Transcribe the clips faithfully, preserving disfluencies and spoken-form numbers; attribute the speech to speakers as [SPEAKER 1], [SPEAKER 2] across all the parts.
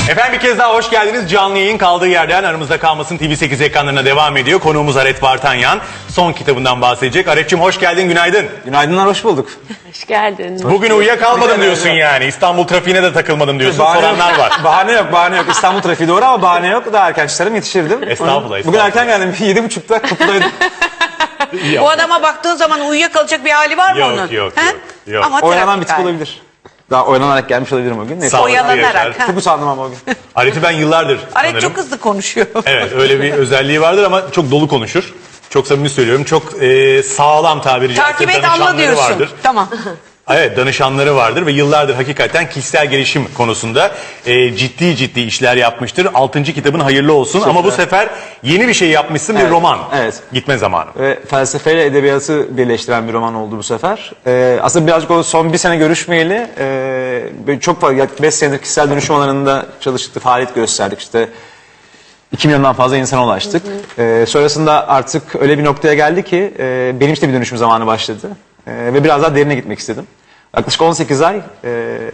[SPEAKER 1] Efendim bir kez daha hoş geldiniz. Canlı yayın kaldığı yerden Aramızda Kalmasın T V sekiz ekranlarına devam ediyor. Konuğumuz Aret Vartanyan. Son kitabından bahsedecek. Aret'cim hoş geldin, günaydın.
[SPEAKER 2] Günaydınlar, hoş bulduk.
[SPEAKER 3] Hoş geldin.
[SPEAKER 1] Bugün uyuyakalmadım diyorsun yani. İstanbul trafiğine de takılmadım diyorsun.
[SPEAKER 2] Bahane
[SPEAKER 1] Soranlar
[SPEAKER 2] yok.
[SPEAKER 1] var.
[SPEAKER 2] Bahane yok, bahane yok. İstanbul trafiği doğru ama bahane yok. Daha erken çıkarım, yetişirdim.
[SPEAKER 1] Estağfurullah,
[SPEAKER 2] Bugün
[SPEAKER 1] estağfurullah.
[SPEAKER 2] erken geldim. Yedi buçukta kapıdaydım.
[SPEAKER 1] İyi
[SPEAKER 3] O
[SPEAKER 1] yaptın.
[SPEAKER 3] adama baktığın zaman uyuyakalacak bir hali var mı
[SPEAKER 1] Yok,
[SPEAKER 3] onun?
[SPEAKER 1] yok, yok,
[SPEAKER 3] He?
[SPEAKER 1] yok.
[SPEAKER 3] Ama
[SPEAKER 2] Oyalanan bir
[SPEAKER 3] trafik
[SPEAKER 2] tip
[SPEAKER 3] hali.
[SPEAKER 2] olabilir. Daha oynanarak gelmiş olabilirim o gün. Neyse.
[SPEAKER 1] Sağ ol.
[SPEAKER 3] Oyalanarak.
[SPEAKER 1] Yaşar.
[SPEAKER 3] ha.
[SPEAKER 2] Çok usandım ama o gün.
[SPEAKER 1] Aret'i ben yıllardır
[SPEAKER 3] Aret
[SPEAKER 1] tanırım.
[SPEAKER 3] çok hızlı konuşuyor.
[SPEAKER 1] Evet, öyle bir özelliği vardır ama çok dolu konuşur. Çok samimi söylüyorum. Çok e, sağlam tabiri caizse
[SPEAKER 3] Takip et anla
[SPEAKER 1] danışanları
[SPEAKER 3] diyorsun.
[SPEAKER 1] vardır.
[SPEAKER 3] Tamam.
[SPEAKER 1] Evet, danışanları vardır ve yıllardır hakikaten kişisel gelişim konusunda e, ciddi ciddi işler yapmıştır. Altıncı kitabın hayırlı olsun ama bu sefer yeni bir şey yapmışsın, bir
[SPEAKER 2] Evet,
[SPEAKER 1] roman.
[SPEAKER 2] evet.
[SPEAKER 1] Gitme zamanı.
[SPEAKER 2] Ve felsefeyle edebiyatı birleştiren bir roman oldu bu sefer. Ee, aslında birazcık o son bir sene görüşmeyeli e, böyle çok fazla, yaklaşık beş senedir kişisel dönüşüm alanında çalıştık, faaliyet gösterdik. İşte iki milyondan fazla insana ulaştık. Ee, sonrasında artık öyle bir noktaya geldi ki e, benim işte bir dönüşüm zamanı başladı. E, ve biraz daha derine gitmek istedim. Yaklaşık on sekiz ay e,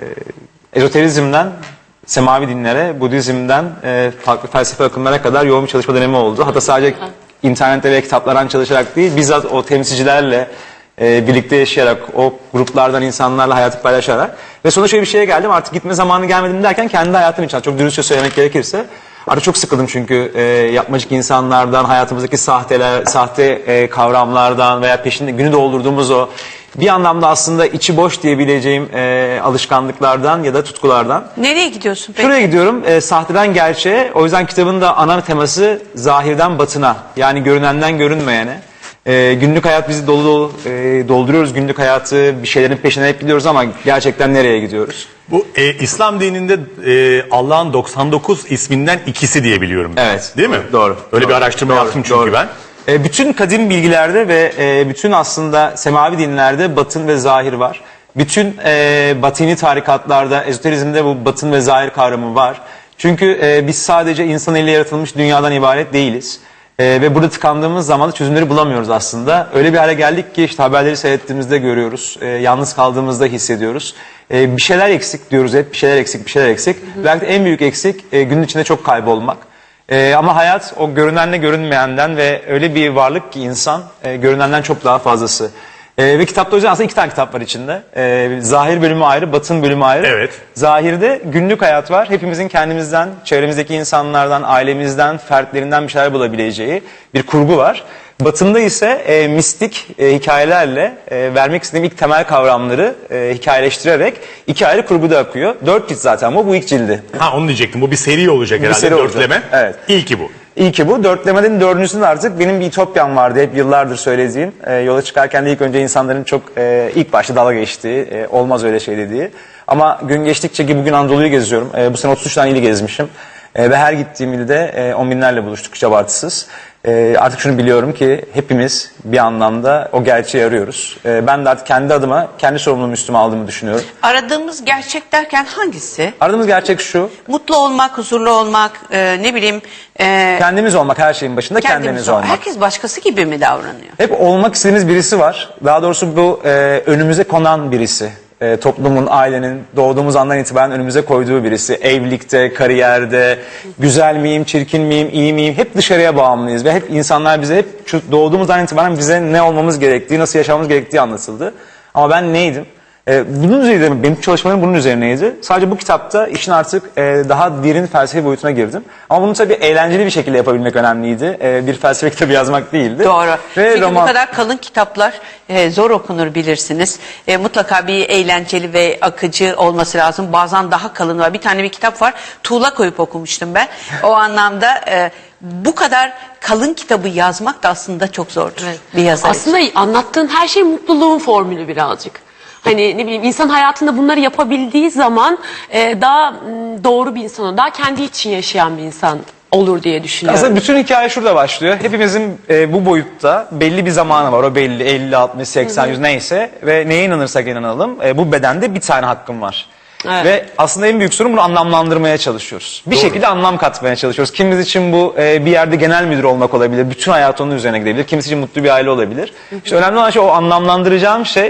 [SPEAKER 2] ezoterizmden semavi dinlere, Budizm'den e, farklı felsefe akımlara kadar yoğun bir çalışma dönemi oldu. Hatta sadece internette ve kitaplardan çalışarak değil, bizzat o temsilcilerle e, birlikte yaşayarak, o gruplardan insanlarla hayatı paylaşarak. Ve sonra şöyle bir şeye geldim, artık gitme zamanı gelmedim derken kendi hayatım için, çok dürüstçe söylemek gerekirse, artık çok sıkıldım çünkü e, yapmacık insanlardan, hayatımızdaki sahteler, sahte e, kavramlardan veya peşinde günü doldurduğumuz o bir anlamda aslında içi boş diyebileceğim e, alışkanlıklardan ya da tutkulardan.
[SPEAKER 3] Nereye gidiyorsun peki?
[SPEAKER 2] Şuraya gidiyorum, e, sahteden gerçeğe. O yüzden kitabın da ana teması zahirden batına, yani görünenden görünmeyene. E, günlük hayat bizi dolu dolu e, dolduruyoruz, günlük hayatı, bir şeylerin peşine hep gidiyoruz ama gerçekten nereye gidiyoruz?
[SPEAKER 1] Bu e, İslam dininde e, Allah'ın doksan dokuz isminden ikisi diye biliyorum.
[SPEAKER 2] Evet.
[SPEAKER 1] Değil mi?
[SPEAKER 2] Doğru.
[SPEAKER 1] Öyle
[SPEAKER 2] Doğru.
[SPEAKER 1] bir araştırma
[SPEAKER 2] Doğru,
[SPEAKER 1] yaptım çünkü
[SPEAKER 2] doğru.
[SPEAKER 1] ben.
[SPEAKER 2] E, bütün kadim bilgilerde ve e, bütün aslında semavi dinlerde batın ve zahir var. Bütün e, batini tarikatlarda, ezoterizmde bu batın ve zahir kavramı var. Çünkü e, biz sadece insan eliyle yaratılmış dünyadan ibaret değiliz. E, ve burada tıkandığımız zaman da çözümleri bulamıyoruz aslında. Öyle bir hale geldik ki işte haberleri seyrettiğimizde görüyoruz. E, yalnız kaldığımızda hissediyoruz. E, bir şeyler eksik diyoruz hep. Bir şeyler eksik, bir şeyler eksik. Hı hı. Belki de en büyük eksik e, günün içinde çok kaybolmak. Ee, ama hayat o görünenle görünmeyenden ve öyle bir varlık ki insan e, görünenden çok daha fazlası. Ee, ve kitapta o yüzden aslında iki tane kitap var içinde. Ee, zahir bölümü ayrı, batın bölümü ayrı.
[SPEAKER 1] Evet.
[SPEAKER 2] Zahirde günlük hayat var. Hepimizin kendimizden, çevremizdeki insanlardan, ailemizden, fertlerinden bir şeyler bulabileceği bir kurgu var. Batında ise e, mistik e, hikayelerle e, vermek istediğim ilk temel kavramları e, hikayeleştirerek iki ayrı kurguda akıyor. Dört cilt zaten bu, bu ilk cildi.
[SPEAKER 1] Ha onu diyecektim. Bu bir seri olacak
[SPEAKER 2] Bir
[SPEAKER 1] herhalde.
[SPEAKER 2] seri olacak.
[SPEAKER 1] Dörtleme.
[SPEAKER 2] Evet.
[SPEAKER 1] İlki bu.
[SPEAKER 2] İyi ki bu. Dörtlemenin dördüncüsünde artık benim bir ütopyam vardı. Hep yıllardır söylediğim. E, yola çıkarken de ilk önce insanların çok e, ilk başta dalga geçtiği, e, olmaz öyle şey dediği. Ama gün geçtikçe ki bugün Anadolu'yu geziyorum. E, bu sene otuz üç tane ili gezmişim. E, ve her gittiğim ilde e, on binlerle buluştuk hiç abartısız. E, artık şunu biliyorum ki hepimiz bir anlamda o gerçeği arıyoruz. E, ben de artık kendi adıma, kendi sorumluluğumu üstüme aldığımı düşünüyorum.
[SPEAKER 3] Aradığımız gerçek derken hangisi?
[SPEAKER 2] Aradığımız gerçek şu.
[SPEAKER 3] Mutlu olmak, huzurlu olmak, e, ne bileyim... E,
[SPEAKER 2] Kendimiz olmak, her şeyin başında kendimiz,
[SPEAKER 3] kendimiz
[SPEAKER 2] olmak.
[SPEAKER 3] Herkes başkası gibi mi davranıyor?
[SPEAKER 2] Hep olmak istediğimiz birisi var. Daha doğrusu bu e, önümüze konan birisi. E, toplumun, ailenin doğduğumuz andan itibaren önümüze koyduğu birisi. Evlilikte, kariyerde, güzel miyim, çirkin miyim, iyi miyim? Hep dışarıya bağımlıyız ve hep insanlar bize hep şu doğduğumuzdan itibaren bize ne olmamız gerektiği, nasıl yaşamamız gerektiği anlatıldı. Ama ben neydim? Ee, bunun üzerine, benim çalışmalarım bunun üzerineydi. Sadece bu kitapta işin artık e, daha derin felsefi boyutuna girdim. Ama bunu tabii eğlenceli bir şekilde yapabilmek önemliydi. E, bir felsefe kitabı yazmak değildi.
[SPEAKER 3] Doğru.
[SPEAKER 2] Ve
[SPEAKER 3] Çünkü
[SPEAKER 2] roman...
[SPEAKER 3] bu kadar kalın kitaplar e, zor okunur bilirsiniz. E, mutlaka bir eğlenceli ve akıcı olması lazım. Bazen daha kalın var. Bir tane bir kitap var. Tuğla koyup okumuştum ben. O anlamda e, bu kadar kalın kitabı yazmak da aslında çok zordur.
[SPEAKER 4] Evet.
[SPEAKER 3] Bir yazar için.
[SPEAKER 4] Aslında anlattığın her şey mutluluğun formülü birazcık. Hani ne bileyim insan hayatında bunları yapabildiği zaman e, daha m, doğru bir insan olur. Daha kendi için yaşayan bir insan olur diye düşünüyorum.
[SPEAKER 2] Aslında bütün hikaye şurada başlıyor. Hepimizin e, bu boyutta belli bir zamanı var. O belli elli, altmış, seksen, yüz neyse. Ve neye inanırsak inanalım e, bu bedende bir tane hakkım var.
[SPEAKER 4] Evet.
[SPEAKER 2] Ve aslında en büyük sorun bunu anlamlandırmaya çalışıyoruz. Bir
[SPEAKER 1] Doğru.
[SPEAKER 2] şekilde anlam katmaya çalışıyoruz. Kimimiz için bu e, bir yerde genel müdür olmak olabilir. Bütün hayat onun üzerine gidebilir. Kimisi için mutlu bir aile olabilir. İşte önemli olan şey o anlamlandıracağım şey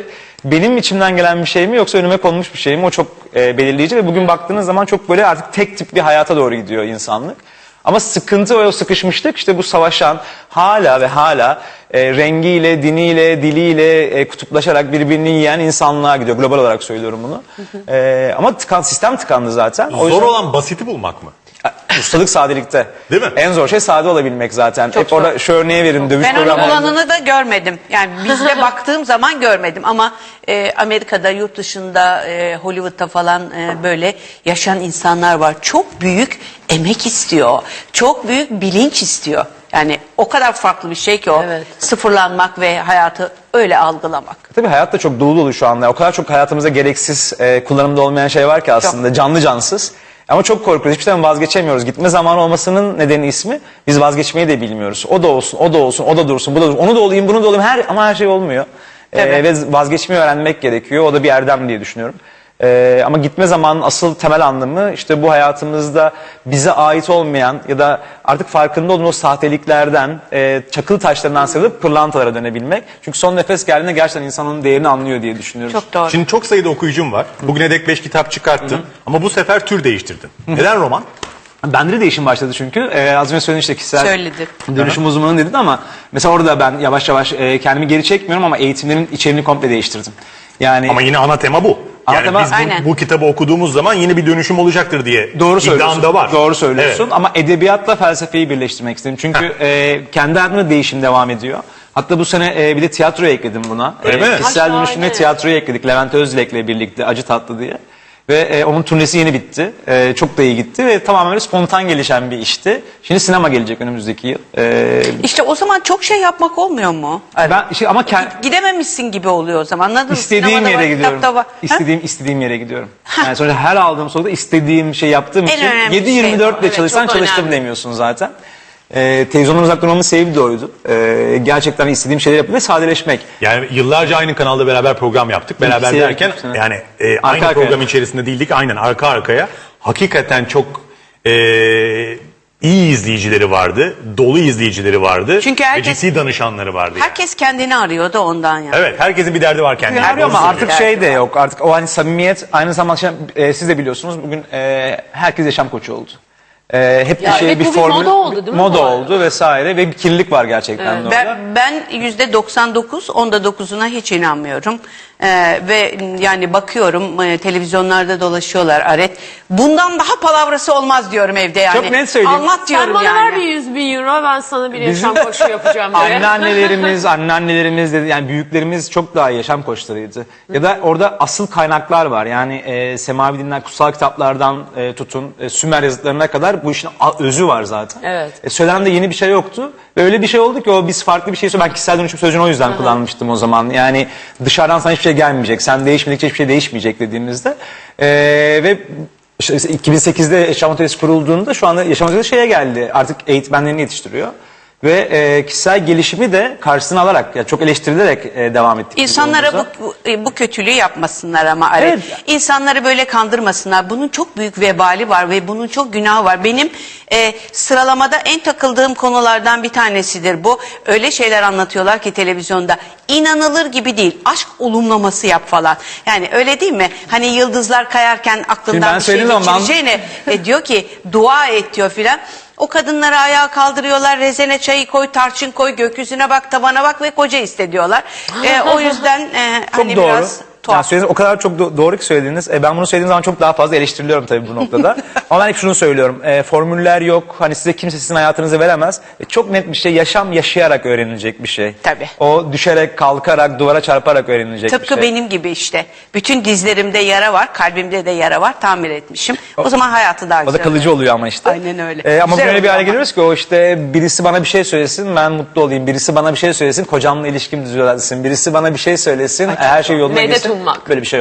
[SPEAKER 2] benim içimden gelen bir şey mi yoksa önüme konmuş bir şey mi, o çok e, belirleyici ve bugün baktığınız zaman çok böyle artık tek tip bir hayata doğru gidiyor insanlık. Ama sıkıntı o sıkışmışlık işte bu savaşan hala ve hala e, rengiyle, diniyle, diliyle e, kutuplaşarak birbirini yiyen insanlığa gidiyor. Global olarak söylüyorum bunu. E, ama tıkan, sistem tıkandı zaten. O
[SPEAKER 1] Zor
[SPEAKER 2] yüzden-
[SPEAKER 1] olan basiti bulmak mı?
[SPEAKER 2] Ustalık sadelikte.
[SPEAKER 1] Değil mi?
[SPEAKER 2] En zor şey sade olabilmek zaten.
[SPEAKER 3] Çok
[SPEAKER 2] Hep orada şu örneğe verin, dövüş
[SPEAKER 3] Ben onun
[SPEAKER 2] programlarında.
[SPEAKER 3] olanını da görmedim. Yani bizde baktığım zaman görmedim ama e, Amerika'da, yurt dışında, e, Hollywood'da falan e, böyle yaşayan insanlar var. Çok büyük emek istiyor. Çok büyük bilinç istiyor. Yani o kadar farklı bir şey ki o.
[SPEAKER 4] Evet.
[SPEAKER 3] Sıfırlanmak ve hayatı öyle algılamak.
[SPEAKER 2] Tabii hayat da çok dolu dolu şu anda. O kadar çok hayatımızda gereksiz e, kullanımda olmayan şey var ki aslında. Canlı cansız. Ama çok korkuyoruz. Hiçbir zaman vazgeçemiyoruz. Gitme zamanı olmasının nedeni ismi. Biz vazgeçmeyi de bilmiyoruz. O da olsun, o da olsun, o da dursun, bu da dursun. Onu da olayım, bunu da olayım. Her, ama her şey olmuyor. E,
[SPEAKER 3] Evet.
[SPEAKER 2] ve vazgeçmeyi öğrenmek gerekiyor. O da bir erdem diye düşünüyorum. E, ama gitme zamanının asıl temel anlamı işte bu hayatımızda bize ait olmayan ya da artık farkında olduğumuz o sahteliklerden, e, çakıl taşlarından sıyrılıp pırlantalara dönebilmek. Çünkü son nefes geldiğinde gerçekten insanın değerini anlıyor diye düşünüyorum.
[SPEAKER 3] Çok doğru.
[SPEAKER 1] Şimdi çok sayıda okuyucum var. Bugüne dek beş kitap çıkarttın ama bu sefer tür değiştirdin. Neden roman?
[SPEAKER 2] Bende de değişim başladı çünkü. Ee, az önce söyledin işte kişisel
[SPEAKER 3] Söyledi.
[SPEAKER 2] dönüşüm uzmanı dedin ama mesela orada ben yavaş yavaş e, kendimi geri çekmiyorum ama eğitimlerin içeriğini komple değiştirdim. Yani
[SPEAKER 1] Ama yine ana tema bu.
[SPEAKER 2] Ana
[SPEAKER 1] Yani
[SPEAKER 2] tema-
[SPEAKER 1] biz bu,
[SPEAKER 3] Aynen.
[SPEAKER 1] bu kitabı okuduğumuz zaman yine bir dönüşüm olacaktır diye
[SPEAKER 2] doğru
[SPEAKER 1] iddiam
[SPEAKER 2] söylüyorsun.
[SPEAKER 1] da var.
[SPEAKER 2] Doğru söylüyorsun
[SPEAKER 1] Evet.
[SPEAKER 2] ama edebiyatla felsefeyi birleştirmek istedim. Çünkü e, kendi hayatımda değişim devam ediyor. Hatta bu sene e, bir de tiyatroya ekledim buna.
[SPEAKER 1] Öyle mi?
[SPEAKER 2] Kişisel
[SPEAKER 4] Ha,
[SPEAKER 2] dönüşümle
[SPEAKER 4] şahane.
[SPEAKER 2] tiyatroya ekledik. Levent Özdilek'le birlikte Acı Tatlı diye. Ve e, onun turnesi yeni bitti. E, çok da iyi gitti ve tamamen böyle spontan gelişen bir işti. Şimdi sinema gelecek önümüzdeki yıl. E,
[SPEAKER 3] İşte o zaman çok şey yapmak olmuyor mu?
[SPEAKER 2] ben işte ama kend,
[SPEAKER 3] Gidememişsin gibi oluyor o zaman. Anladın mı?
[SPEAKER 2] İstediğim
[SPEAKER 3] Sinemada
[SPEAKER 2] yere
[SPEAKER 3] var,
[SPEAKER 2] gidiyorum.
[SPEAKER 3] kitapta var. Ha?
[SPEAKER 2] İstediğim istediğim yere gidiyorum. Yani sonuçta her aldığım soruda istediğim şey yaptığım
[SPEAKER 3] En
[SPEAKER 2] için
[SPEAKER 3] önemli
[SPEAKER 2] yedi
[SPEAKER 3] şey
[SPEAKER 2] yirmi dört
[SPEAKER 3] o.
[SPEAKER 2] de
[SPEAKER 3] Evet,
[SPEAKER 2] çalışsan
[SPEAKER 3] çok
[SPEAKER 2] çalıştım
[SPEAKER 3] önemli.
[SPEAKER 2] demiyorsun zaten. Ee, televizyondan uzak durmamın sebebi de oydu. Ee, gerçekten istediğim şeyleri yapıp ve sadeleşmek.
[SPEAKER 1] Yani yıllarca aynı kanalda beraber program yaptık. Beraber
[SPEAKER 2] İkisi
[SPEAKER 1] derken
[SPEAKER 2] yaptık, evet.
[SPEAKER 1] yani e, aynı
[SPEAKER 2] arkaya.
[SPEAKER 1] program içerisinde değildik. Aynen arka arkaya. Hakikaten çok e, iyi izleyicileri vardı. Dolu izleyicileri vardı.
[SPEAKER 3] Çünkü
[SPEAKER 1] ve
[SPEAKER 3] herkes-
[SPEAKER 1] ciddi danışanları vardı. yani.
[SPEAKER 3] Herkes kendini arıyor da ondan yani.
[SPEAKER 1] Evet, herkesin bir derdi var kendine.
[SPEAKER 2] Arıyor ama
[SPEAKER 1] Doğru
[SPEAKER 2] artık
[SPEAKER 1] söylüyorsun.
[SPEAKER 2] şey de yok. Artık o hani samimiyet aynı zamanda şey, e, siz de biliyorsunuz bugün e, herkes yaşam koçu oldu. E, hep bir
[SPEAKER 4] Ya
[SPEAKER 2] şey
[SPEAKER 4] evet,
[SPEAKER 2] bir
[SPEAKER 4] bu bir
[SPEAKER 2] formül
[SPEAKER 4] moda oldu değil mi
[SPEAKER 2] moda
[SPEAKER 4] bu arada?
[SPEAKER 2] oldu vesaire ve bir kirlilik var gerçekten de orada.
[SPEAKER 3] Ben, ben yüzde doksan dokuz, onda dokuzuna hiç inanmıyorum. Ee, ve yani bakıyorum e, televizyonlarda dolaşıyorlar Aret. Bundan daha palavrası olmaz diyorum evde yani.
[SPEAKER 2] Çok net söyleyeyim.
[SPEAKER 3] Anlat
[SPEAKER 4] Sen
[SPEAKER 3] diyorum
[SPEAKER 4] bana
[SPEAKER 3] yani.
[SPEAKER 4] ver bir yüz bin euro, ben sana bir yaşam
[SPEAKER 2] Bizim-
[SPEAKER 4] koçu yapacağım diye.
[SPEAKER 2] Anneannelerimiz, anneannelerimiz dedi yani büyüklerimiz çok daha iyi yaşam koçlarıydı. Ya da orada asıl kaynaklar var. Yani e, semavi dinler, kutsal kitaplardan e, tutun e, Sümer yazıtlarına kadar bu işin a- özü var zaten.
[SPEAKER 4] Evet.
[SPEAKER 2] E, söylenen de yeni bir şey yoktu. Ve öyle bir şey oldu ki o biz farklı bir şey söylüyoruz. Ben kişisel dönüşüm sözcüğünü o yüzden kullanmıştım o zaman. Yani dışarıdan sana hiçbir şey gelmeyecek. Sen değişmedikçe hiçbir şey değişmeyecek dediğimizde. E, ve işte iki bin sekizde Yaşam Atölyesi kurulduğunda şu anda Yaşam Atölyesi şeye geldi. Artık eğitmenlerini yetiştiriyor. Ve e, kişisel gelişimi de karşısına alarak, yani çok eleştirilerek e, devam ettik. biz
[SPEAKER 3] İnsanlara
[SPEAKER 2] yolumuza.
[SPEAKER 3] bu, bu, bu kötülüğü yapmasınlar ama Aret.
[SPEAKER 2] Evet.
[SPEAKER 3] İnsanları böyle kandırmasınlar. Bunun çok büyük vebali var ve bunun çok günahı var. Benim e, sıralamada en takıldığım konulardan bir tanesidir bu. Öyle şeyler anlatıyorlar ki televizyonda. İnanılır gibi değil. Aşk olumlaması yap falan. Yani öyle değil mi? Hani yıldızlar kayarken
[SPEAKER 2] Şimdi
[SPEAKER 3] aklından
[SPEAKER 2] ben
[SPEAKER 3] bir şey
[SPEAKER 2] söylediğim zaman-
[SPEAKER 3] geçireceğine e, diyor ki dua et diyor filan. O kadınları ayağa kaldırıyorlar, rezene çayı koy, tarçın koy, gökyüzüne bak, tabana bak ve koca iste diyorlar. E, o yüzden e,
[SPEAKER 2] Çok
[SPEAKER 3] hani
[SPEAKER 2] doğru.
[SPEAKER 3] biraz
[SPEAKER 2] Yani
[SPEAKER 3] tuhaf.
[SPEAKER 2] söylediğiniz o kadar çok do- doğru ki söylediğiniz. E, ben bunu söylediğim zaman çok daha fazla eleştiriliyorum tabii bu noktada. Ama ben hep şunu söylüyorum. E, formüller yok. Hani size kimse sizin hayatınızı veremez. E, çok net bir şey. Yaşam yaşayarak öğrenilecek bir şey.
[SPEAKER 3] Tabii.
[SPEAKER 2] O düşerek, kalkarak, duvara çarparak öğrenilecek bir
[SPEAKER 3] Tıpkı
[SPEAKER 2] şey.
[SPEAKER 3] benim gibi işte. Bütün dizlerimde yara var, kalbimde de yara var, tamir etmişim. O zaman hayatı daha
[SPEAKER 2] O da
[SPEAKER 3] güzel.
[SPEAKER 2] kalıcı oluyor ama işte.
[SPEAKER 3] Aynen öyle.
[SPEAKER 2] E, ama
[SPEAKER 3] Güzel
[SPEAKER 2] böyle bir
[SPEAKER 3] oluyor
[SPEAKER 2] hale
[SPEAKER 3] ama.
[SPEAKER 2] geliyoruz ki o işte birisi bana bir şey söylesin ben mutlu olayım. Birisi bana bir şey söylesin kocamla ilişkim düzelsin. Birisi bana bir şey söylesin her şey yoluna
[SPEAKER 4] Medet
[SPEAKER 2] gitsin.
[SPEAKER 4] ummak.
[SPEAKER 2] Böyle bir şey yok.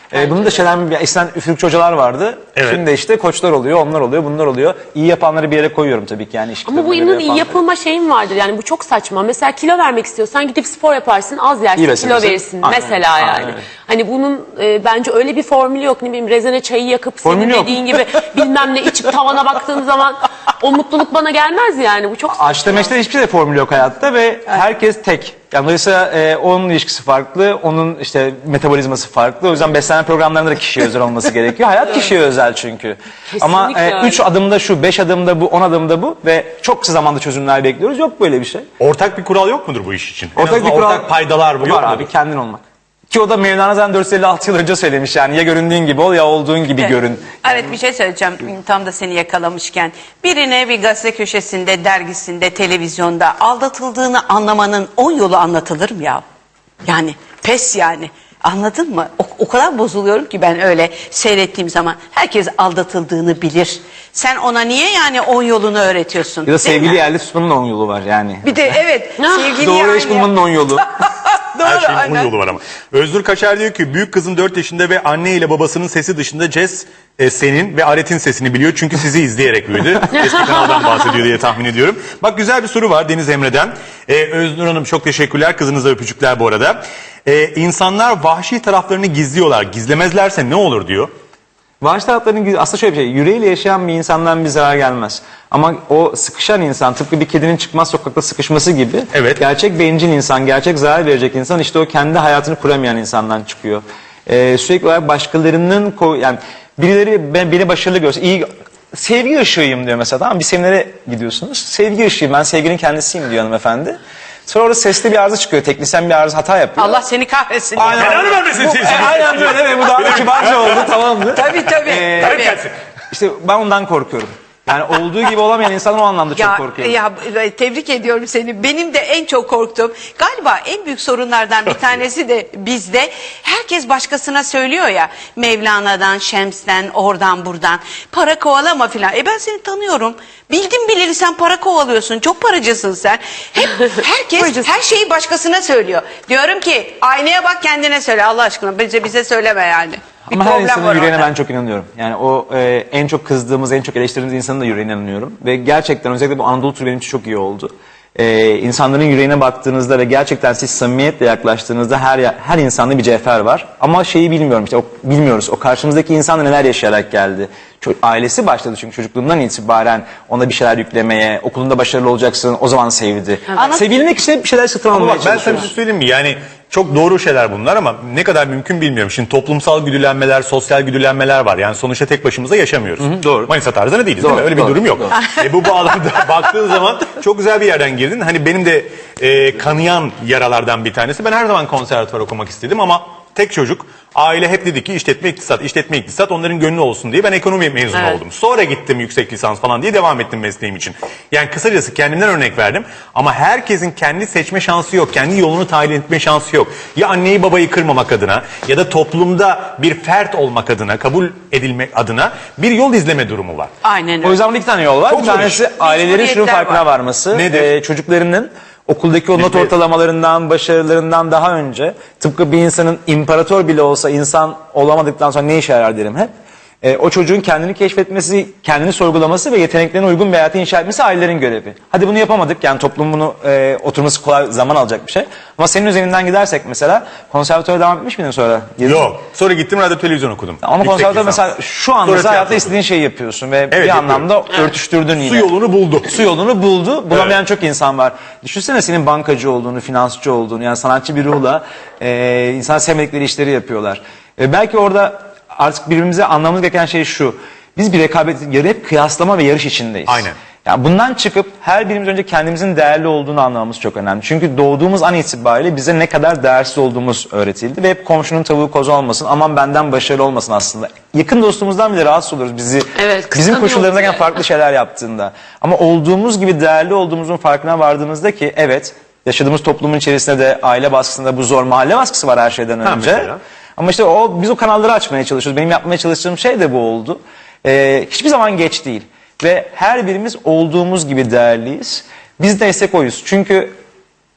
[SPEAKER 2] Ee, bunu da şeyden eskiden üfürükçü hocalar vardı.
[SPEAKER 1] Evet.
[SPEAKER 2] Şimdi de işte koçlar oluyor, onlar oluyor, bunlar oluyor. İyi yapanları bir yere koyuyorum tabii ki yani. iş
[SPEAKER 4] Ama bu
[SPEAKER 2] kitabına
[SPEAKER 4] inanın
[SPEAKER 2] göre
[SPEAKER 4] iyi
[SPEAKER 2] yapanları.
[SPEAKER 4] yapılma şeyin vardır. Yani bu çok saçma. Mesela kilo vermek istiyorsan gidip spor yaparsın, az yersin,
[SPEAKER 2] İyi
[SPEAKER 4] kilo
[SPEAKER 2] beslenirsin.
[SPEAKER 4] verirsin.
[SPEAKER 2] Aynen.
[SPEAKER 4] Mesela
[SPEAKER 2] Aynen
[SPEAKER 4] yani.
[SPEAKER 2] öyle.
[SPEAKER 4] Hani bunun e, bence öyle bir formülü yok. Ne bileyim rezene çayı yakıp
[SPEAKER 2] Formülü
[SPEAKER 4] senin
[SPEAKER 2] yok.
[SPEAKER 4] dediğin gibi bilmem ne içip tavana baktığın zaman o mutluluk bana gelmez yani. Bu çok saçma.
[SPEAKER 2] Açta meşte hiçbir şey formülü yok hayatta ve herkes tek. Yani dolayısıyla e, onun ilişkisi farklı, onun işte metabolizması farklı. O yüzden beslenme programlarında da kişiye özel olması gerekiyor. Hayat kişiye özel çünkü. Ama e,
[SPEAKER 4] öyle.
[SPEAKER 2] üç adımda şu, beş adımda bu, on adımda bu ve çok kısa zamanda çözümler bekliyoruz. Yok böyle bir şey.
[SPEAKER 1] Ortak bir kural yok mudur bu iş için? En
[SPEAKER 2] Ortak
[SPEAKER 1] azından
[SPEAKER 2] bir kural
[SPEAKER 1] ortak paydalar bu
[SPEAKER 2] var
[SPEAKER 1] yok
[SPEAKER 2] abi,
[SPEAKER 1] mudur?
[SPEAKER 2] kendin olmak. Ki o da Mevlana zaten dört yüz elli altı yıl önce söylemiş yani ya göründüğün gibi ol ya olduğun gibi görün.
[SPEAKER 3] Evet, bir şey söyleyeceğim tam da seni yakalamışken. Birine bir gazete köşesinde, dergisinde, televizyonda aldatıldığını anlamanın on yolu anlatılır mı ya? Yani pes yani. Anladın mı? O, o kadar bozuluyorum ki ben öyle seyrettiğim zaman. Herkes aldatıldığını bilir. Sen ona niye yani on yolunu öğretiyorsun?
[SPEAKER 2] Ya da
[SPEAKER 3] Değil
[SPEAKER 2] sevgili
[SPEAKER 3] mi?
[SPEAKER 2] yerli tutmanın on yolu var yani.
[SPEAKER 3] Bir de evet sevgili
[SPEAKER 2] Doğru
[SPEAKER 3] yani.
[SPEAKER 2] eş bulmanın on yolu.
[SPEAKER 3] Doğru,
[SPEAKER 1] Her şeyin onun
[SPEAKER 3] aynen.
[SPEAKER 1] yolu var ama. Özgür Kaçar diyor ki büyük kızım dört yaşında ve anne ile babasının sesi dışında Jess e, senin ve Aret'in sesini biliyor. Çünkü sizi izleyerek büyüdü. Eski kanaldan bahsediyor diye tahmin ediyorum. Bak güzel bir soru var Deniz Emre'den. E, Öznur Hanım çok teşekkürler. Kızınıza öpücükler bu arada. E, insanlar vahşi taraflarını gizliyorlar. Gizlemezlerse ne olur diyor.
[SPEAKER 2] Vahşi taraflarının güzel- aslında şöyle bir şey. Yüreğiyle yaşayan bir insandan bir zarar gelmez. Ama o sıkışan insan tıpkı bir kedinin çıkmaz sokakta sıkışması gibi.
[SPEAKER 1] Evet.
[SPEAKER 2] Gerçek bencil insan, gerçek zarar verecek insan işte o kendi hayatını kuramayan insandan çıkıyor. Ee, sürekli olarak başkalarının ko- yani birileri ben, beni başarılı görse iyi sevgi ışığıyım diyor mesela, tamam mı? Bir seminere gidiyorsunuz. Sevgi ışığıyım, ben sevginin kendisiyim diyor hanımefendi. Sonra orada sesli bir arıza çıkıyor. Teknisyen bir arıza hata yapıyor.
[SPEAKER 3] Allah seni kahretsin.
[SPEAKER 2] Aynen.
[SPEAKER 1] Belanı vermesin seni.
[SPEAKER 2] E, aynen böyle evet, bu daha da kibarca oldu, tamam mı?
[SPEAKER 3] Tabii tabii.
[SPEAKER 2] Ee,
[SPEAKER 3] tabii.
[SPEAKER 1] Gelsin.
[SPEAKER 2] İşte ben ondan korkuyorum. Yani olduğu gibi olamayan insanın o anlamda çok
[SPEAKER 3] Ya,
[SPEAKER 2] korkuyorum.
[SPEAKER 3] ya tebrik ediyorum seni. Benim de en çok korktuğum galiba en büyük sorunlardan bir tanesi de bizde. Herkes başkasına söylüyor ya, Mevlana'dan, Şems'ten, oradan buradan. Para kovalama filan. E ben seni tanıyorum. Bildim bileli sen para kovalıyorsun. Çok paracısın sen. Hep herkes her şeyi başkasına söylüyor. Diyorum ki aynaya bak, kendine söyle Allah aşkına. Bize bize söyleme yani. Bir
[SPEAKER 2] Ama her
[SPEAKER 3] problem
[SPEAKER 2] insanın
[SPEAKER 3] var
[SPEAKER 2] yüreğine
[SPEAKER 3] orada.
[SPEAKER 2] ben çok inanıyorum. Yani o e, en çok kızdığımız, en çok eleştirdiğimiz insanın da yüreğine inanıyorum. Ve gerçekten özellikle bu Anadolu turu benim için çok iyi oldu. E, insanların yüreğine baktığınızda ve gerçekten siz samimiyetle yaklaştığınızda her ya- her insanda bir cevher var. Ama şeyi bilmiyorum işte, o, bilmiyoruz. O karşımızdaki insan da neler yaşayarak geldi. Ço- ailesi başladı çünkü çocukluğundan itibaren ona bir şeyler yüklemeye, okulunda başarılı olacaksın, o zaman sevdi.
[SPEAKER 3] Ana-
[SPEAKER 2] Sevilmek için hep bir şeyler satın
[SPEAKER 1] Ama
[SPEAKER 2] almaya
[SPEAKER 1] bak ben sana bir
[SPEAKER 2] çalışıyoruz.
[SPEAKER 1] şey söyleyeyim mi? Yani çok doğru şeyler bunlar ama ne kadar mümkün bilmiyorum. Şimdi toplumsal güdülenmeler, sosyal güdülenmeler var. Yani sonuçta tek başımıza yaşamıyoruz.
[SPEAKER 2] doğru.
[SPEAKER 1] Manisa tarzında değiliz değil
[SPEAKER 2] Doğru,
[SPEAKER 1] mi? Öyle
[SPEAKER 2] doğru,
[SPEAKER 1] bir durum yok.
[SPEAKER 2] doğru.
[SPEAKER 1] E, bu bağlamda baktığın zaman çok güzel bir yerden girdin. Hani benim de e, kanayan yaralardan bir tanesi. Ben her zaman konservatuvar okumak istedim ama tek çocuk. Aile hep dedi ki işletme iktisat, işletme iktisat onların gönlü olsun diye ben ekonomi mezunu
[SPEAKER 3] Evet.
[SPEAKER 1] oldum. Sonra gittim yüksek lisans falan diye devam ettim mesleğim için. Yani kısacası kendimden örnek verdim. Ama herkesin kendi seçme şansı yok. Kendi yolunu tayin etme şansı yok. Ya anneyi babayı kırmamak adına ya da toplumda bir fert olmak adına, kabul edilmek adına bir yol izleme durumu var.
[SPEAKER 3] Aynen öyle.
[SPEAKER 2] O yüzden burada iki tane yol var.
[SPEAKER 1] Çok
[SPEAKER 2] Bir
[SPEAKER 1] zor
[SPEAKER 2] tanesi
[SPEAKER 1] iş.
[SPEAKER 2] ailelerin şunun
[SPEAKER 3] Mecburiyetler
[SPEAKER 2] farkına
[SPEAKER 3] var.
[SPEAKER 2] varması.
[SPEAKER 1] Nedir?
[SPEAKER 2] e, çocuklarının okuldaki o not
[SPEAKER 1] Bizde-
[SPEAKER 2] ortalamalarından, başarılarından daha önce tıpkı bir insanın imparator bile olsa insan olamadıktan sonra ne işe yarar derim hep. E, o çocuğun kendini keşfetmesi, kendini sorgulaması ve yeteneklerine uygun bir hayatı inşa etmesi ailelerin görevi. Hadi bunu yapamadık, yani toplum bunu e, oturması kolay, zaman alacak bir şey. Ama senin üzerinden gidersek mesela konservatuara devam etmiş miydin sonra?
[SPEAKER 1] Yok. Sonra gittim radyo televizyon okudum.
[SPEAKER 2] Ama
[SPEAKER 1] Yüksek
[SPEAKER 2] konservatuar
[SPEAKER 1] lisans.
[SPEAKER 2] mesela şu anda
[SPEAKER 1] Sonra
[SPEAKER 2] hayatta
[SPEAKER 1] tiyatro
[SPEAKER 2] istediğin şeyi yapıyorsun ve
[SPEAKER 1] Evet,
[SPEAKER 2] bir
[SPEAKER 1] yapıyorum.
[SPEAKER 2] anlamda örtüştürdün yine.
[SPEAKER 1] Su yolunu buldu.
[SPEAKER 2] Su yolunu buldu. Bulamayan çok insan var. Düşünsene senin bankacı olduğunu, finansçı olduğunu, yani sanatçı bir ruhla e, insan sevmedikleri işleri yapıyorlar. E, belki orada artık birbirimize anlamamız gereken şey şu. Biz bir rekabet, yarı hep kıyaslama ve yarış içindeyiz.
[SPEAKER 1] Aynen.
[SPEAKER 2] Yani bundan çıkıp her birimiz önce kendimizin değerli olduğunu anlamamız çok önemli. Çünkü doğduğumuz an itibariyle bize ne kadar değersiz olduğumuz öğretildi. Ve hep komşunun tavuğu kozu olmasın, aman benden başarılı olmasın aslında. Yakın dostumuzdan bile rahatsız oluruz bizi
[SPEAKER 4] Evet,
[SPEAKER 2] bizim
[SPEAKER 4] kıskanıyoruz
[SPEAKER 2] koşullarındayken
[SPEAKER 4] yani.
[SPEAKER 2] farklı şeyler yaptığında. Ama olduğumuz gibi değerli olduğumuzun farkına vardığımızda ki evet, yaşadığımız toplumun içerisinde de aile baskısında bu zor mahalle baskısı var her şeyden
[SPEAKER 1] Ha,
[SPEAKER 2] önce.
[SPEAKER 1] mesela?
[SPEAKER 2] Ama işte o biz o kanalları açmaya çalışıyoruz. Benim yapmaya çalıştığım şey de bu oldu. Ee, hiçbir zaman geç değil. Ve her birimiz olduğumuz gibi değerliyiz. Biz de destek oyuz. Çünkü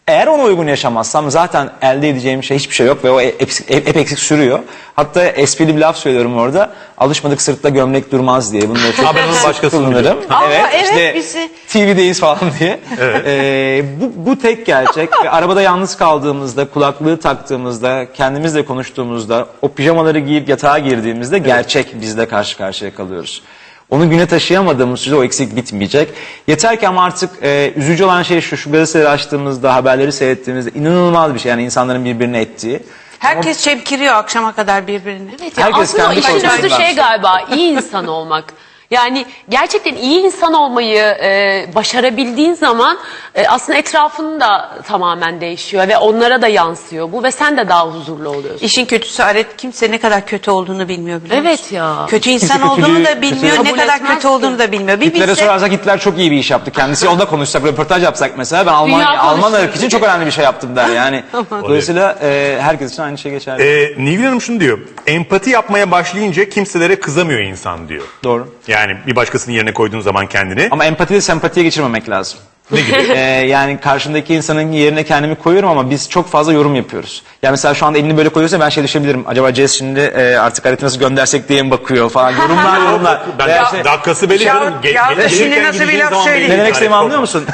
[SPEAKER 2] Eğer ona uygun yaşamazsam zaten elde edeceğim şey hiçbir şey yok ve o hep, hep, hep eksik sürüyor. Hatta esprili bir laf söylüyorum orada. Alışmadık sırtla gömlek durmaz diye. Bunu da çok
[SPEAKER 1] Ha, ben onun
[SPEAKER 2] sık
[SPEAKER 1] başkasını
[SPEAKER 2] kullanırım.
[SPEAKER 1] biliyorum.
[SPEAKER 3] Aa,
[SPEAKER 2] evet,
[SPEAKER 3] evet,
[SPEAKER 2] işte
[SPEAKER 3] bizi-
[SPEAKER 2] T V'deyiz falan diye. Ee, bu, bu tek gerçek ve arabada yalnız kaldığımızda, kulaklığı taktığımızda, kendimizle konuştuğumuzda, o pijamaları giyip yatağa girdiğimizde gerçek bizle karşı karşıya kalıyoruz. Onu güne taşıyamadığımız sürece o eksik bitmeyecek. Yeter ki ama artık e, üzücü olan şey şu, şu gazeteleri açtığımızda, haberleri seyrettiğimizde inanılmaz bir şey. Yani insanların birbirine ettiği.
[SPEAKER 3] Herkes çemkiriyor akşama kadar birbirini.
[SPEAKER 4] Evet, ya
[SPEAKER 2] Herkes
[SPEAKER 4] aslında o
[SPEAKER 2] kendi
[SPEAKER 4] işin
[SPEAKER 2] kontrolünde.
[SPEAKER 4] özü şey galiba iyi insan olmak. Yani gerçekten iyi insan olmayı e, başarabildiğin zaman e, aslında etrafın da tamamen değişiyor ve onlara da yansıyor bu ve sen de daha huzurlu oluyorsun.
[SPEAKER 3] İşin kötüsü Aret kimse ne kadar kötü olduğunu bilmiyor biliyor musun?
[SPEAKER 4] Evet ya.
[SPEAKER 3] Kötü insan
[SPEAKER 2] Kimse
[SPEAKER 3] olduğunu
[SPEAKER 2] kötülüğü-
[SPEAKER 3] da bilmiyor,
[SPEAKER 2] kötü-
[SPEAKER 3] ne
[SPEAKER 4] Kabul
[SPEAKER 3] kadar
[SPEAKER 4] etmez
[SPEAKER 3] kötü
[SPEAKER 4] ki.
[SPEAKER 3] olduğunu da bilmiyor. Bir
[SPEAKER 2] Hitler'e
[SPEAKER 3] bilse
[SPEAKER 2] sorarsak Hitler çok iyi bir iş yaptı. Kendisi onunla konuşsak, röportaj yapsak mesela ben Alman,
[SPEAKER 4] Dünya
[SPEAKER 2] Alman
[SPEAKER 4] konuşuyor.
[SPEAKER 2] ırkı için çok önemli bir şey yaptım der yani. Dolayısıyla e, herkes için aynı şey geçerli.
[SPEAKER 1] Ee, Nilgün Hanım şunu diyor. Empati yapmaya başlayınca kimselere kızamıyor insan diyor.
[SPEAKER 2] Doğru.
[SPEAKER 1] Yani bir başkasının yerine koyduğun zaman kendini.
[SPEAKER 2] Ama empatiyi sempatiye geçirmemek lazım.
[SPEAKER 1] Ne gibi?
[SPEAKER 2] Ee, yani karşımdaki insanın yerine kendimi koyuyorum ama biz çok fazla yorum yapıyoruz. Yani mesela şu anda elini böyle koyuyorsa ben şey düşünebilirim. Acaba Jess şimdi e, artık Aret'i nasıl göndersek diye mi bakıyor falan. Yorumlar yorumlar.
[SPEAKER 1] Ben
[SPEAKER 2] Veya
[SPEAKER 1] ya,
[SPEAKER 2] işte-
[SPEAKER 1] dakikası belli
[SPEAKER 3] Ya-
[SPEAKER 1] canım. Ge-
[SPEAKER 3] ya
[SPEAKER 1] ge-
[SPEAKER 3] şimdi
[SPEAKER 1] gelirken
[SPEAKER 3] nasıl bir
[SPEAKER 1] gideceğin
[SPEAKER 3] laf
[SPEAKER 1] zaman
[SPEAKER 3] söyleyeyim?
[SPEAKER 1] belli.
[SPEAKER 2] Ne demek istediğimi
[SPEAKER 1] Yani
[SPEAKER 2] anlıyor musun?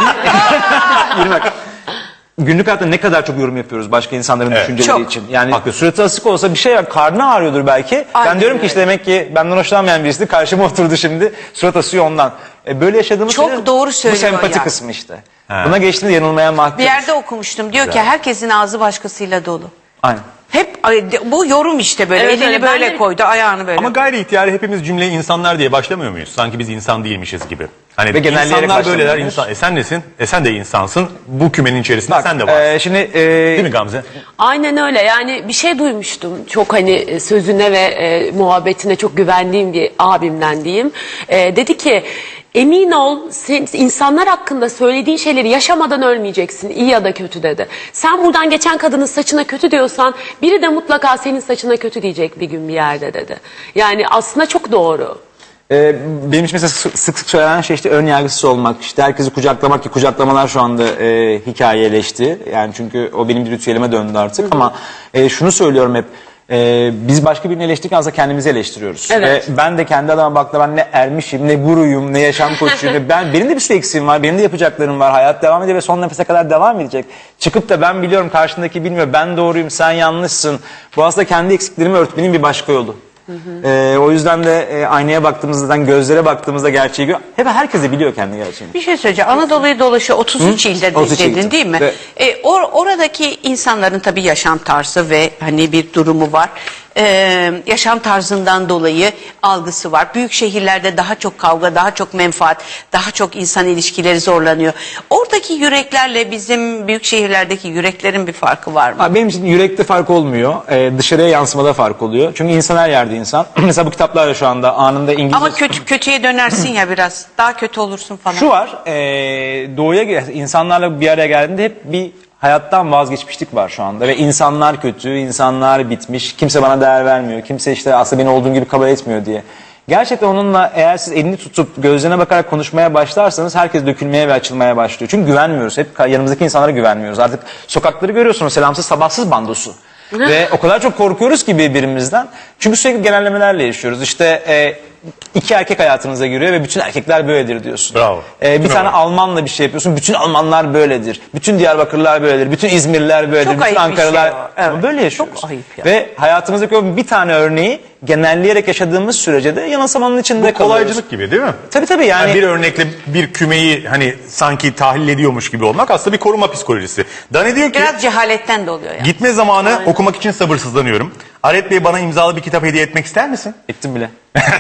[SPEAKER 2] Bir- bak. Günlük hayatta ne kadar çok yorum yapıyoruz başka insanların
[SPEAKER 1] Evet.
[SPEAKER 2] düşünceleri
[SPEAKER 3] Çok.
[SPEAKER 2] için. Yani
[SPEAKER 1] Haklısın.
[SPEAKER 2] suratı asık olsa bir şey var, karnı ağrıyordur belki.
[SPEAKER 3] Aynen
[SPEAKER 2] ben diyorum ki
[SPEAKER 3] öyle.
[SPEAKER 2] işte demek ki benden hoşlanmayan birisi karşıma oturdu şimdi. Surat asıyor ondan. E, böyle yaşadığımız
[SPEAKER 3] Çok
[SPEAKER 2] sürece
[SPEAKER 3] doğru
[SPEAKER 2] bu
[SPEAKER 3] söylüyor
[SPEAKER 2] sempati
[SPEAKER 3] ya.
[SPEAKER 2] kısmı işte. Buna geçtiğinde yanılmaya mahkum.
[SPEAKER 3] bir yerde okumuştum. Diyor ki herkesin ağzı başkasıyla dolu.
[SPEAKER 2] Aynen.
[SPEAKER 3] Hep ay, de- bu yorum işte böyle.
[SPEAKER 4] Evet,
[SPEAKER 3] Elini
[SPEAKER 4] öyle.
[SPEAKER 3] böyle
[SPEAKER 4] Ben de-
[SPEAKER 3] koydu, ayağını böyle.
[SPEAKER 1] Ama gayri ihtiyari hepimiz cümleye insanlar diye başlamıyor muyuz? Sanki biz insan değilmişiz gibi. Hani
[SPEAKER 2] Ve genelleyerek
[SPEAKER 1] insanlar böyleler,
[SPEAKER 2] başlamıyoruz.
[SPEAKER 1] insan. E sen nesin? E sen de insansın. Bu kümenin içerisinde sen de varsın.
[SPEAKER 2] e, şimdi e,
[SPEAKER 1] Değil mi Gamze?
[SPEAKER 4] Aynen öyle yani bir şey duymuştum çok hani e, sözüne ve e, muhabbetine çok güvendiğim bir abimden diyeyim. E, dedi ki emin ol sen, insanlar hakkında söylediğin şeyleri yaşamadan ölmeyeceksin iyi ya da kötü dedi. Sen buradan geçen kadının saçına kötü diyorsan biri de mutlaka senin saçına kötü diyecek bir gün bir yerde dedi. Yani aslında çok doğru.
[SPEAKER 2] e, benim için mesela sık sık sık söylenen şey işte ön yargısız olmak. İşte herkesi kucaklamak ki kucaklamalar şu anda e, hikayeleşti. Yani çünkü o benim bir ritüelime döndü artık. Ama e, şunu söylüyorum hep. e, biz başka birini eleştirirken aslında kendimizi eleştiriyoruz.
[SPEAKER 4] Evet.
[SPEAKER 2] Ve ben de kendi adıma baktım ben ne ermişim, ne guruyum, ne yaşam koçuyum. ve ben benim de bir sürü eksiğim var, benim de yapacaklarım var. Hayat devam ediyor ve son nefese kadar devam edecek. Çıkıp da ben biliyorum karşındaki bilmiyor, ben doğruyum, sen yanlışsın. Bu aslında kendi eksiklerimi örtmenin bir başka yolu. Ee, o yüzden de e, aynaya baktığımızda, gözlere baktığımızda gerçeği gör. Hep herkes de biliyor kendi gerçeğini.
[SPEAKER 3] Bir şey söyleyeceğim. Anadolu'yu dolaşıyor otuz üç ilde de
[SPEAKER 2] otuz üç
[SPEAKER 3] dedin
[SPEAKER 2] ilde.
[SPEAKER 3] değil mi?
[SPEAKER 2] Ve-
[SPEAKER 3] E, or- oradaki insanların tabii yaşam tarzı ve hani bir durumu var. Ee, yaşam tarzından dolayı algısı var. Büyük şehirlerde daha çok kavga, daha çok menfaat, daha çok insan ilişkileri zorlanıyor. Oradaki yüreklerle bizim büyük şehirlerdeki yüreklerin bir farkı var mı?
[SPEAKER 2] Ha, benim için yürekte fark olmuyor. Ee, dışarıya yansımada fark oluyor. Çünkü insan her yerde insan. Mesela bu kitaplarla şu anda anında İngilizce...
[SPEAKER 3] Ama kötü kötüye dönersin ya biraz. Daha kötü olursun falan.
[SPEAKER 2] Şu var, e, doğuya gel- insanlarla bir araya geldiğinde hep bir hayattan vazgeçmişlik var şu anda. Ve insanlar kötü, insanlar bitmiş, kimse bana değer vermiyor, kimse işte aslında beni olduğum gibi kabul etmiyor diye. Gerçekten onunla eğer siz elini tutup gözlerine bakarak konuşmaya başlarsanız herkes dökülmeye ve açılmaya başlıyor. Çünkü güvenmiyoruz, hep yanımızdaki insanlara güvenmiyoruz. Artık sokakları görüyorsunuz, selamsız sabahsız bandosu. Ve o kadar çok korkuyoruz ki birbirimizden. Çünkü sürekli genellemelerle yaşıyoruz. İşte e, iki erkek hayatınıza giriyor ve bütün erkekler böyledir diyorsun.
[SPEAKER 1] Bravo.
[SPEAKER 2] E, bir
[SPEAKER 1] Bravo.
[SPEAKER 2] tane Almanla bir şey yapıyorsun. Bütün Almanlar böyledir. Bütün Diyarbakırlılar böyledir. Bütün İzmirliler böyledir.
[SPEAKER 3] Çok
[SPEAKER 2] bütün
[SPEAKER 3] ayıp bir
[SPEAKER 2] Ankaralılar.
[SPEAKER 3] şey o. Evet.
[SPEAKER 2] Ama böyle yaşıyoruz.
[SPEAKER 3] Çok ayıp ya.
[SPEAKER 2] Ve hayatımızdaki o bir tane örneği genelleyerek yaşadığımız sürece de yanılsamanın içinde
[SPEAKER 1] Bu
[SPEAKER 2] kalıyoruz.
[SPEAKER 1] kolaycılık gibi değil mi?
[SPEAKER 2] Tabii tabii yani.
[SPEAKER 1] Yani bir örnekle bir kümeyi hani sanki tahlil ediyormuş gibi olmak aslında bir koruma psikolojisi. Dani diyor ki
[SPEAKER 3] Biraz cehaletten de oluyor ya.
[SPEAKER 1] gitme zamanı okumak için sabırsızlanıyorum. Aret Bey bana imzalı bir kitap hediye etmek ister misin?
[SPEAKER 2] Ettim bile.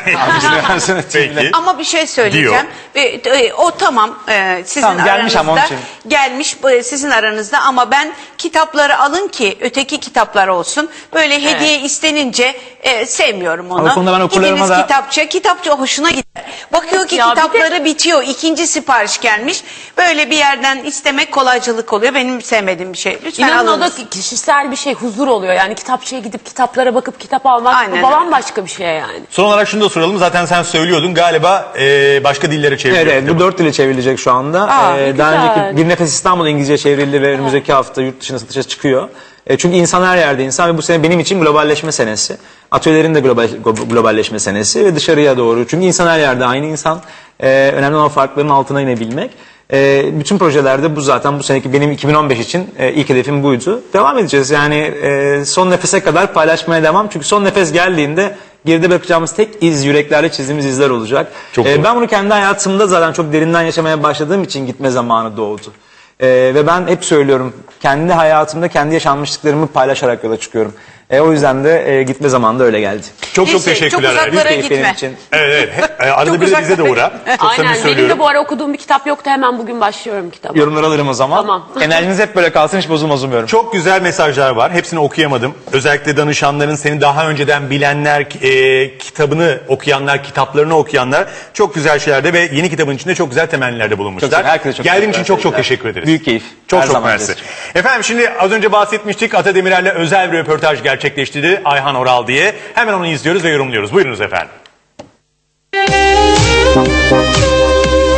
[SPEAKER 1] Peki.
[SPEAKER 3] Ama bir şey söyleyeceğim. Ve, e, o tamam e, sizin
[SPEAKER 2] Tamam, gelmiş ama onun
[SPEAKER 3] aranızda
[SPEAKER 2] için.
[SPEAKER 3] gelmiş e, sizin aranızda ama ben kitapları alın ki öteki kitaplar olsun. Böyle hediye istenince e, sevmiyorum onu.
[SPEAKER 2] Ama konuda ben okurlarıma
[SPEAKER 3] Gidiniz
[SPEAKER 2] da-
[SPEAKER 3] kitapçı, kitapçı hoşuna gider. Bakıyor ki
[SPEAKER 4] Ya bir de-
[SPEAKER 3] kitapları bitiyor. İkinci sipariş gelmiş. Böyle bir yerden istemek kolaycılık oluyor. Benim sevmediğim bir şey. Lütfen
[SPEAKER 4] İnanın o
[SPEAKER 3] alın.
[SPEAKER 4] da kişisel bir şey, huzur oluyor. Yani kitapçıya gidip kitaplara bakıp kitap almak
[SPEAKER 3] Aynen
[SPEAKER 4] bu
[SPEAKER 3] öyle.
[SPEAKER 4] bambaşka bir şey yani.
[SPEAKER 1] Son olarak şunu da soralım. Zaten sen söylüyordun galiba e, başka dillere çeviriyor.
[SPEAKER 2] Evet, evet bu
[SPEAKER 1] kitabı.
[SPEAKER 2] dört dile çevrilecek şu anda.
[SPEAKER 3] Aa,
[SPEAKER 2] Ee,
[SPEAKER 4] ne
[SPEAKER 2] daha
[SPEAKER 4] güzel.
[SPEAKER 2] önceki Bir Nefes İstanbul İngilizce çevrildi ve önümüzdeki hafta yurt dışına satışa çıkıyor. E, çünkü insan her yerde insan ve bu sene benim için globalleşme senesi. Atölyelerin de global, globalleşme senesi ve dışarıya doğru. Çünkü insan her yerde aynı insan. E, önemli olan farkların altına inebilmek. E, bütün projelerde bu zaten bu seneki benim iki bin on beş için e, ilk hedefim buydu. Devam edeceğiz yani e, son nefese kadar paylaşmaya devam. Çünkü son nefes geldiğinde geride bırakacağımız tek iz yüreklerle çizdiğimiz izler olacak.
[SPEAKER 1] Çok
[SPEAKER 2] E,
[SPEAKER 1] doğru.
[SPEAKER 2] ben bunu kendi hayatımda zaten çok derinden yaşamaya başladığım için gitme zamanı doğdu. E, ve ben hep söylüyorum kendi hayatımda kendi yaşanmışlıklarımı paylaşarak yola çıkıyorum. E, o yüzden de e, gitme zamanı da öyle geldi.
[SPEAKER 1] Çok çok
[SPEAKER 3] Neyse,
[SPEAKER 1] teşekkürler.
[SPEAKER 3] çok uzaklara
[SPEAKER 2] Büyük keyif benim
[SPEAKER 3] gitme.
[SPEAKER 2] için.
[SPEAKER 1] Evet evet. He- e, Arada
[SPEAKER 3] Çok
[SPEAKER 1] bir de bize de
[SPEAKER 3] uzaklara
[SPEAKER 1] uğra. Çok
[SPEAKER 4] Aynen.
[SPEAKER 1] samimi
[SPEAKER 4] Benim
[SPEAKER 1] söylüyorum.
[SPEAKER 4] de bu ara okuduğum bir kitap yoktu. Hemen bugün başlıyorum kitaba.
[SPEAKER 2] Yorumları alırım o zaman.
[SPEAKER 4] Tamam.
[SPEAKER 2] Enerjiniz hep böyle kalsın, hiç bozulmaz umuyorum.
[SPEAKER 1] Çok güzel mesajlar var. Hepsini okuyamadım. Özellikle danışanların, seni daha önceden bilenler, e, kitabını okuyanlar, kitaplarını okuyanlar çok güzel şeylerde ve yeni kitabın içinde çok güzel temellilerde bulunmuşlar.
[SPEAKER 2] Çok güzel, herkese çok
[SPEAKER 1] Geldiğin
[SPEAKER 2] teşekkür
[SPEAKER 1] için çok çok
[SPEAKER 2] ederim.
[SPEAKER 1] teşekkür ederiz.
[SPEAKER 2] Büyük keyif.
[SPEAKER 1] Çok
[SPEAKER 2] Her
[SPEAKER 1] çok
[SPEAKER 2] zaman
[SPEAKER 1] mersi.
[SPEAKER 2] bizim.
[SPEAKER 1] Efendim şimdi az önce bahsetmiştik. Ata Demirer'le özel bir röportaj gerçekleştirdi Ayhan Oral diye. Hemen onu izliyoruz ve yorumluyoruz. Buyurunuz efendim.